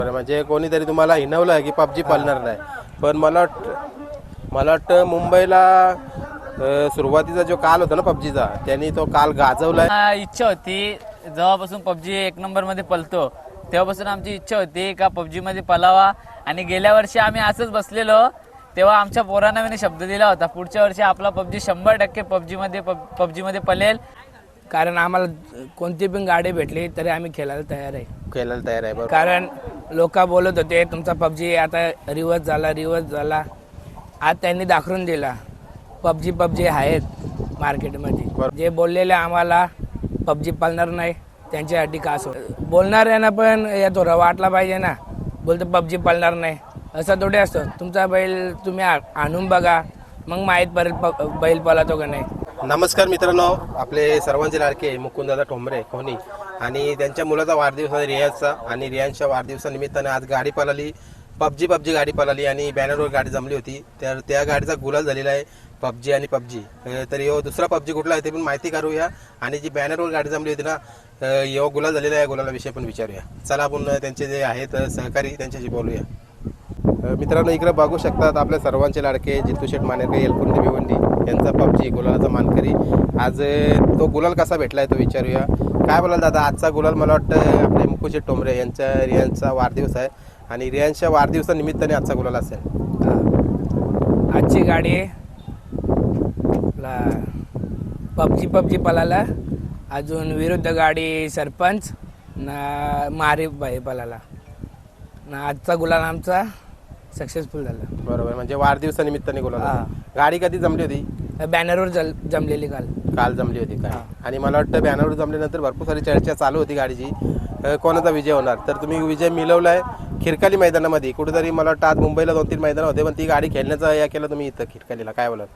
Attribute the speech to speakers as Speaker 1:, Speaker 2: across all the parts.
Speaker 1: म्हणजे कोणीतरी तुम्हाला हिनवलं की पबजी पळणार नाही, पण मला वाटतं मुंबईला सुरुवातीचा जो काल होता ना पबजीचा, त्यांनी तो काल गाजवलाय.
Speaker 2: इच्छा होती जेव्हापासून पबजी एक नंबर मध्ये पळतो तेव्हापासून आमची इच्छा होती का पबजी मध्ये पळावा. आणि गेल्या वर्षी आम्ही असंच बसलेलो तेव्हा आमच्या पोरांना मी शब्द दिला होता पुढच्या वर्षी आपला पबजी 100% पबजी मध्ये पळेल.
Speaker 3: कारण आम्हाला कोणती पण गाडी भेटली तरी आम्ही खेळायला तयार आहे.
Speaker 1: बरोबर.
Speaker 3: कारण लोक बोलत होते तुमचा पबजी आता रिवर्स झाला. आज त्यांनी दाखवून दिला पबजी आहेत मार्केटमध्ये. जे बोललेले आम्हाला पबजी पाळणार नाही त्यांच्यासाठी कास होत. बोलणाऱ्यांना पण येतो वाटला पाहिजे ना, बोलतो पबजी पाळणार नाही असं थोडे असतं. तुमचा बैल तुम्ही आणून बघा मग माहीत पडेल बैल पळतो का नाही.
Speaker 1: नमस्कार मित्रांनो, आपले सर्वांचे लाडके मुकुंददादा ठोंबरे कोणी आणि त्यांच्या मुलाचा वाढदिवस आहे रियाजचा. आणि रियाजच्या वाढदिवसानिमित्ताने आज गाडी पळाली, पबजी गाडी पळाली आणि बॅनरवर गाडी जमली होती. तर त्या गाडीचा गुलाल झालेला आहे पबजी. तर यो दुसरा पबजी कुठला आहे ते पण माहिती करूया. आणि जी बॅनरवर गाडी जमली होती ना, यो गुलाल झालेला आहे, गुलालाविषयी पण विचारूया. चला आपण त्यांचे जे आहेत सहकारी त्यांच्याशी बोलूया. मित्रांनो, इकडे बघू शकतात आपल्या सर्वांचे लाडके जितू शेठ मानेरकर येलकुंडी भिवंडी यांचा पबजी गुलालाचा मानकरी. आज तो गुलाल कसा भेटलाय तो विचारूया. काय बोलाल दादा, आजचा गुलाल मला वाटतं आपले मुकुंद शेठ ठोंबरे यांच्या रियांचा वाढदिवस आहे आणि रियांच्या वाढदिवसानिमित्ताने आजचा गुलाल असेल.
Speaker 3: आजची गाडी पबजी पळाला. अजून विरुद्ध गाडी सरपंच ना मारी बाई पळाला ना. आजचा गुलाल आमचा सक्सेसफुल झाला.
Speaker 1: बरोबर, म्हणजे वाढदिवसानिमित्ताने गुलाल. गाडी कधी जमली होती?
Speaker 3: बॅनरवर जमलेली काल
Speaker 1: जमली होती काय. आणि मला वाटतं बॅनरवर जमल्यानंतर भरपूर सारी चर्चा चालू होती गाडीची, कोणाचा विजय होणार. तर तुम्ही विजय मिळवलाय खिरकाली मैदानामध्ये. कुठेतरी मला वाटतं आज मुंबईला 2-3 मैदान होते पण ती गाडी खेळण्याचा या केलं तुम्ही इथं खिरकालीला. काय बोलाल?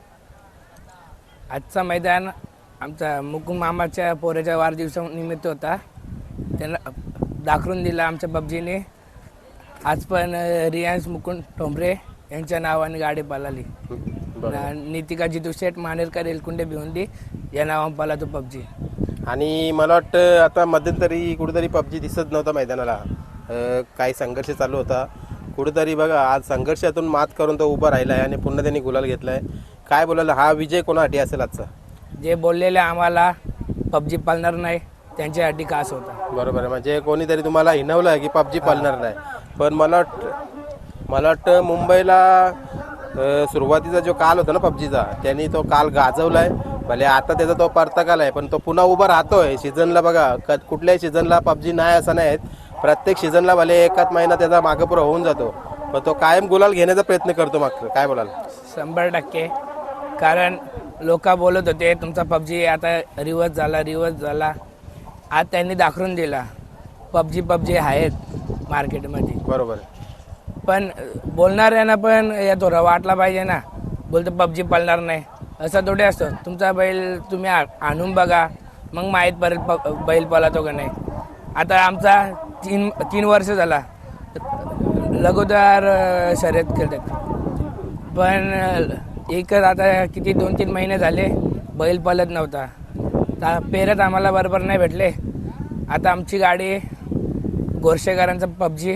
Speaker 3: आजचा मैदान आमचा मुकुंद मामाच्या पोराच्या वाढदिवसानिमित्त होता. त्यांना दाखवून दिला आमच्या पबजीने. आज पण रियांश मुकुंद ठोंबरे यांच्या नावाने गाडी पळाली. नितिका जितू शेठ मानेरकर येलकुंडी भिवंडी या नावाने पळतो पबजी.
Speaker 1: आणि मला वाटतं आता मध्यंतरी कुठेतरी पबजी दिसत नव्हता मैदानाला, काही संघर्ष चालू होता कुठेतरी. बघा आज संघर्षातून मात करून तो उभा राहिला आहे आणि पुन्हा त्यांनी गुलाल घेतलाय. काय बोलायला, हा विजय कोणासाठी असेल आजचा?
Speaker 3: जे बोललेले आम्हाला पबजी पाळणार नाही त्यांच्यासाठी कास होता.
Speaker 1: बरोबर आहे, म्हणजे कोणीतरी तुम्हाला हिनवलं की पबजी पाळणार नाही, पण मला वाटतं मुंबईला सुरुवातीचा जो काल होता ना पबजीचा, त्यांनी तो काल गाजवलाय. भले आता त्याचा तो परतकाल आहे पण तो पुन्हा उभा राहतोय सीझनला. बघा कुठल्याही सीझनला पबजी नाही असं नाही, प्रत्येक सीझनला भले एकाच महिना त्याचा मागपुरा होऊन जातो पण तो कायम गुलाल घेण्याचा प्रयत्न करतो मागचं. काय बोलाल?
Speaker 3: 100%. कारण लोक बोलत होते तुमचा पबजी आता रिवर्स झाला. आज त्यांनी दाखवून दिला पबजी आहेत मार्केटमध्ये.
Speaker 1: बरोबर.
Speaker 3: पण बोलणाऱ्यांना पण येतो वाटला पाहिजे ना, बोलतो पबजी पाळणार नाही असं थोडे असतं. तुमचा बैल तुम्ही आणून बघा मग माहीत पडेल बैल पळतो का नाही. आता आमचा 3 वर्ष झाला लगातार शर्यत खेळतात, पण एकच आता किती 2-3 महिने झाले बैल पळत नव्हता. पेरत आम्हाला बरोबर नाही भेटले. आता आमची गाडी गोरशेकरांचा पबजी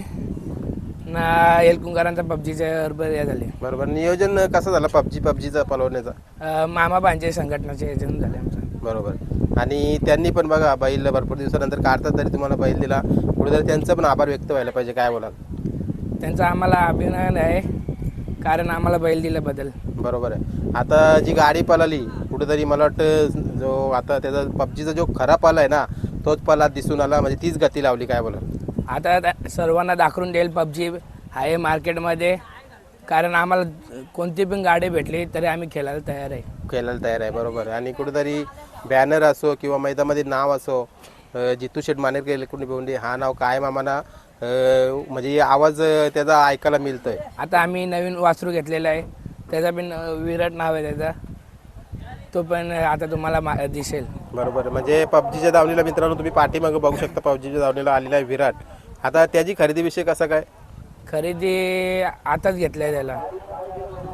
Speaker 3: ना येलकुंकरांचा पबजीच्या बरोबर या झाले.
Speaker 1: बरोबर. नियोजन कसं झालं पबजीचा पळवण्याचा?
Speaker 3: मामा भांजे संघटनाचे योजना झाले आमचं.
Speaker 1: बरोबर. आणि त्यांनी पण बघा बैल भरपूर दिवसानंतर काढतात तरी तुम्हाला बैल दिला, कुठेतरी त्यांचं पण आभार व्यक्त व्हायला पाहिजे. काय बोलाल?
Speaker 3: त्यांचा आम्हाला अभिनंदन आहे कारण आम्हाला बैल दिल्याबद्दल.
Speaker 1: बरोबर आहे. आता जी गाडी पळाली कुठेतरी मला वाटतं जो आता त्याचा पबजीचा जो खरा पल आहे ना तोच पला दिसून आला, म्हणजे तीच गती लावली. काय बोलाल?
Speaker 3: आता सर्वांना दाखवून देईल पबजी आहे मार्केटमध्ये. कारण आम्हाला कोणती पण गाडी भेटली तरी आम्ही खेळायला तयार आहे.
Speaker 1: बरोबर आहे. आणि कुठेतरी बॅनर असो किंवा मैदानामध्ये नाव असो, जितू शेठ मानेरकर येलकुंडी भिवंडी हा नाव कायम आम्हाला म्हणजे आवाज त्याचा ऐकायला मिळतोय.
Speaker 3: आता आम्ही नवीन वासरू घेतलेला आहे, त्याचा पण विराट नाव आहे त्याचा, तो पण आता तुम्हाला दिसेल.
Speaker 1: बरोबर. म्हणजे पबजीच्या दावणीला मित्रांनो तुम्ही पाठीमागे बघू शकता, पबजीच्या दावणीला आलेला आहे विराट. आता त्याची खरेदीविषयी कसं काय?
Speaker 3: खरेदी आताच घेतलं आहे त्याला.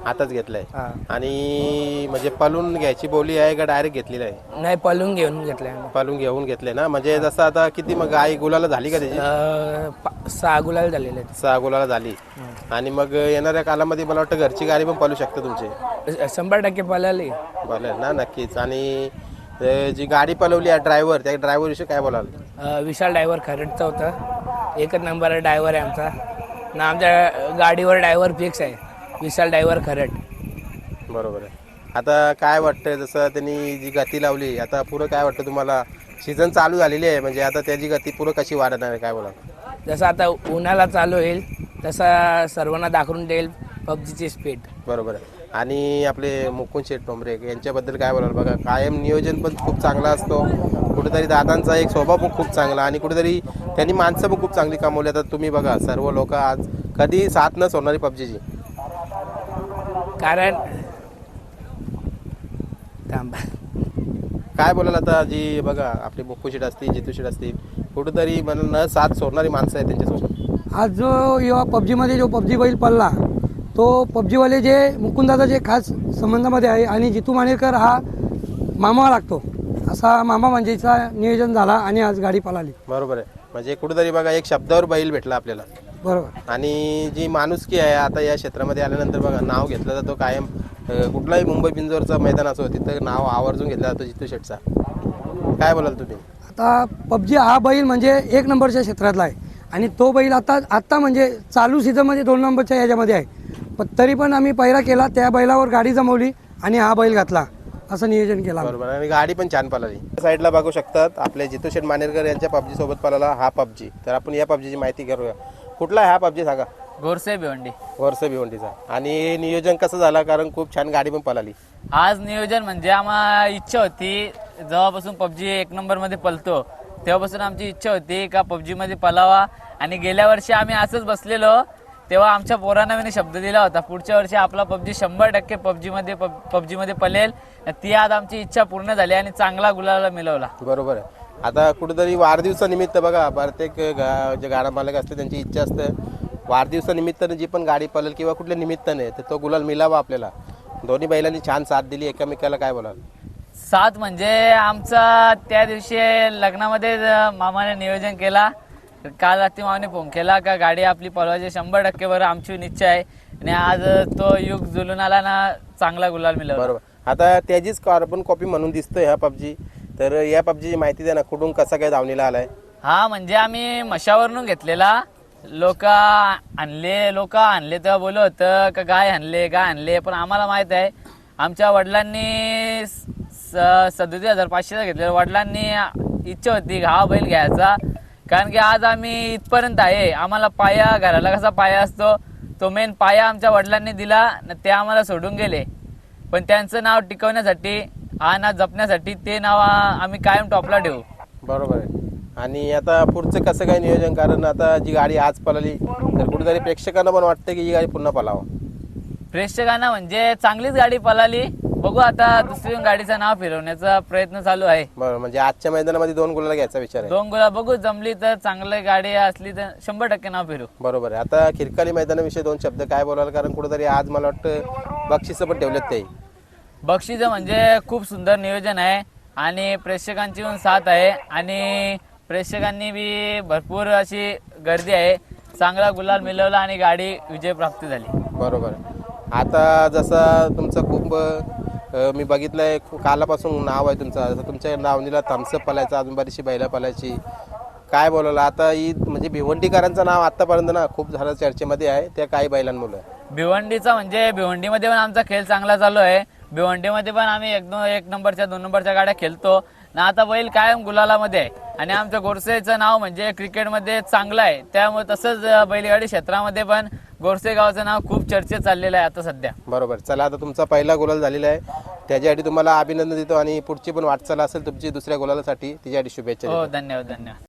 Speaker 1: आताच घेतलाय
Speaker 3: हा.
Speaker 1: आणि म्हणजे पलून घ्यायची बोली आहे का डायरेक्ट घेतलेली आहे?
Speaker 3: नाही, पळून घेऊन घेतलंय आम्ही.
Speaker 1: पलून घेऊन घेतले ना, म्हणजे जसं आता किती मग गाय गुलाला झाली का त्याची?
Speaker 3: 6 गुलाल झालेले
Speaker 1: 6 गुलाला झाली. आणि मग येणाऱ्या कालामध्ये मला वाटतं घरची गाडी पण पळू शकते तुमची.
Speaker 3: आहेत. 100% पळाली.
Speaker 1: बोलेल ना, नक्कीच. आणि जी गाडी पळवली आहे ड्रायव्हर, त्या ड्रायव्हर विषयी काय बोलाल?
Speaker 3: विशाल ड्रायव्हर खरडचा होता. एकच नंबर ड्रायव्हर आहे आमचा ना. आमच्या गाडीवर ड्रायव्हर फिक्स आहे, विशाल ड्रायव्हर खरड.
Speaker 1: बरोबर आहे. आता काय वाटतं, जसं त्यांनी जी गती लावली, आता पुढं काय वाटतं तुम्हाला? सीझन चालू झालेली आहे, म्हणजे आता त्याची गती पुढं कशी वाढणार आहे, काय बोला?
Speaker 3: जसं आता उन्हाळा चालू होईल तसा सर्वांना दाखवून देईल पबजीची स्पीड.
Speaker 1: बरोबर आहे. आणि आपले मुकुंद शेठ टोंबरे यांच्याबद्दल काय बोलाल? बघा, कायम नियोजन पण खूप चांगला असतो. कुठेतरी दादांचा एक स्वभाव पण खूप चांगला, आणि कुठेतरी त्यांनी माणसं पण खूप चांगली कमवली. आता तुम्ही बघा, सर्व लोक आज कधी साथ न सोडणारी पबजीची.
Speaker 3: कारण थांबा.
Speaker 1: काय बोलाल आता? जी बघा, आपले मुकुंद शेठ असतील, जितू शेठ असतील, कुठेतरी मला न साथ सोडणारी माणसं आहेत त्यांच्यासोबत.
Speaker 4: आज जो या पबजीमध्ये जो पबजी बैल पडला, तो पबजीवाले जे मुकुंदाचा जे खास संबंधामध्ये आहे, आणि जितू मानेकर हा मामा लागतो, असा मामा म्हणजेचा नियोजन झाला आणि आज गाडी पळाली.
Speaker 1: बरोबर आहे. म्हणजे कुठेतरी बघा, एक शब्दावर बैल भेटला आपल्याला.
Speaker 4: बरोबर.
Speaker 1: आणि जी माणुसकी आहे आता या क्षेत्रामध्ये आल्यानंतर बघा, नाव घेतलं जातो कायम. कुठलाही मुंबई बिंजोरचं मैदान असो, तिथं नाव आवर्जून घेतलं जातं जितू शेठचा. काय बोलाल तुम्ही?
Speaker 4: आता पबजी हा बैल म्हणजे 1 नंबरच्या क्षेत्रातला आहे, आणि तो बैल आत्ता म्हणजे चालू सीझनमध्ये 2 नंबरच्या याच्यामध्ये आहे. पण तरी पण आम्ही पहिरा केला, त्या बैलावर गाडी जमवली आणि हा बैल घातला, असं नियोजन केलं.
Speaker 1: बरोबर. आणि गाडी पण छान पळाली. साईडला बघू शकतात आपले जितू शेठ मानेरकर यांच्या पबजी सोबत पळाला हा पबजी. तर आपण या पबजीची माहिती करूया. कुठला आहे हा पबजी, सांगा?
Speaker 2: गोरसे भिवंडी.
Speaker 1: वर्ष भिवंडीचा. आणि नियोजन कसं झालं? कारण खूप छान गाडी पण पळाली.
Speaker 2: आज नियोजन म्हणजे आम्हाला इच्छा होती, जेव्हापासून पबजी 1 नंबर मध्ये पळतो तेव्हापासून आमची इच्छा होती का पबजी मध्ये पळावा. आणि गेल्या वर्षी आम्ही असंच बसलेलो, तेव्हा आमच्या पोरांना मी शब्द दिला होता, पुढच्या वर्षी आपला पबजी 100% पबजी मध्ये पळेल. ती आज आमची इच्छा पूर्ण झाली आणि चांगला गुलाला मिळवला.
Speaker 1: बरोबर आहे. आता कुठेतरी वाढदिवसानिमित्त बघा, प्रत्येक जे गाडा मालक असते त्यांची इच्छा असते वाढदिवसानिमित्ताने जी पण गाडी पळेल किंवा कुठल्या निमित्ताने, तर तो गुलाल मिळावा आपल्याला. दोन्ही बैलांनी छान साथ दिली एकमेकाला. काय बोलाल?
Speaker 2: साथ म्हणजे आमचा त्या दिवशी लग्नामध्ये मामाने नियोजन केला. काल रात्री मामाने फोन केला का गाडी आपली पळवायची 100% बरं, आमची इच्छा आहे. आणि आज तो युग जुलून आला ना, चांगला गुलाल मिळाला.
Speaker 1: बरोबर. आता त्याचीच कार्बन कॉपी म्हणून दिसतोय हा पबजी. तर या पबजीची माहिती द्या ना, कुठून कसा काय धावणीला आलाय?
Speaker 2: हा म्हणजे आम्ही मशावरून घेतलेला. लोक आणले तेव्हा बोलत होतं का गाय आणले, पण आम्हाला माहित आहे आमच्या वडिलांनी 37,500 घेतलेला. वडिलांनी इच्छा होती हा बैल घ्यायचा, कारण की आज आम्ही इथपर्यंत आहे. आम्हाला पाया, घराला कसा पाया असतो, तो मेन पाया आमच्या वडिलांनी दिला, ते आम्हाला सोडून गेले. पण त्यांचं नाव टिकवण्यासाठी, हा नाव जपण्यासाठी ते नाव आम्ही कायम टॉपला ठेवू.
Speaker 1: बरोबर आहे. आणि आता पुढचं कसं काय नियोजन? कारण आता जी गाडी आज पळाली, तर कुठेतरी प्रेक्षकांना पण वाटतं की ही गाडी पुन्हा पळावं.
Speaker 2: प्रेक्षकांना म्हणजे चांगलीच गाडी पळाली. बघू आता दुसरी गाडीचं नाव फिरवण्याचा प्रयत्न चालू आहे.
Speaker 1: बरोबर. म्हणजे आजच्या मैदानामध्ये 2 गुलाला घ्यायचा विचार आहे.
Speaker 2: 2 गुलाल बघू, जमली तर चांगली गाडी असली तर 100% नाव फिरू.
Speaker 1: बरोबर आहे. आता खिरकाली मैदानाविषयी 2 शब्द काय बोलाल? कारण कुठेतरी आज मला वाटतं बक्षिसं पण ठेवलेत ते.
Speaker 2: बक्षीस म्हणजे खूप सुंदर नियोजन आहे आणि प्रेक्षकांची पण साथ आहे, आणि प्रेक्षकांनी बी भरपूर अशी गर्दी आहे. चांगला गुलाल मिळवला आणि गाडी विजय प्राप्त झाली.
Speaker 1: बरोबर. आता जसं तुमचं खूप मी बघितलंय, कालापासून नाव आहे तुमचं. जसं तुमच्या नावनीला थम्सअप पलायचं, अजून बरीचशी बैला पलायची. काय बोलायला आता ही म्हणजे भिवंडीकरांचं नाव आतापर्यंत ना खूप झालं चर्चेमध्ये आहे, त्या काही बैलांमुळे.
Speaker 2: भिवंडीचा म्हणजे भिवंडीमध्ये पण आमचा खेळ चांगला चालू आहे. भिवंडीमध्ये पण आम्ही 1 नंबरच्या 2 नंबरच्या गाड्या खेळतो ना. आता बैल कायम गुलालामध्ये आहे, आणि आमचं गोरसेचं नाव म्हणजे क्रिकेटमध्ये चांगलं आहे. त्यामुळे तसंच बैलगाडी क्षेत्रामध्ये पण गोरसे गावचं नाव खूप चर्चेत चाललेलं आहे आता सध्या.
Speaker 1: बरोबर. चला, आता तुमचा पहिला गुलाल झालेला आहे, त्याच्यासाठी तुम्हाला अभिनंदन देतो. आणि पुढची पण वाटचाल असेल तुमची दुसऱ्या गुलालासाठी, तिच्यासाठी शुभेच्छा
Speaker 2: हो,
Speaker 1: देतो.
Speaker 2: धन्यवाद.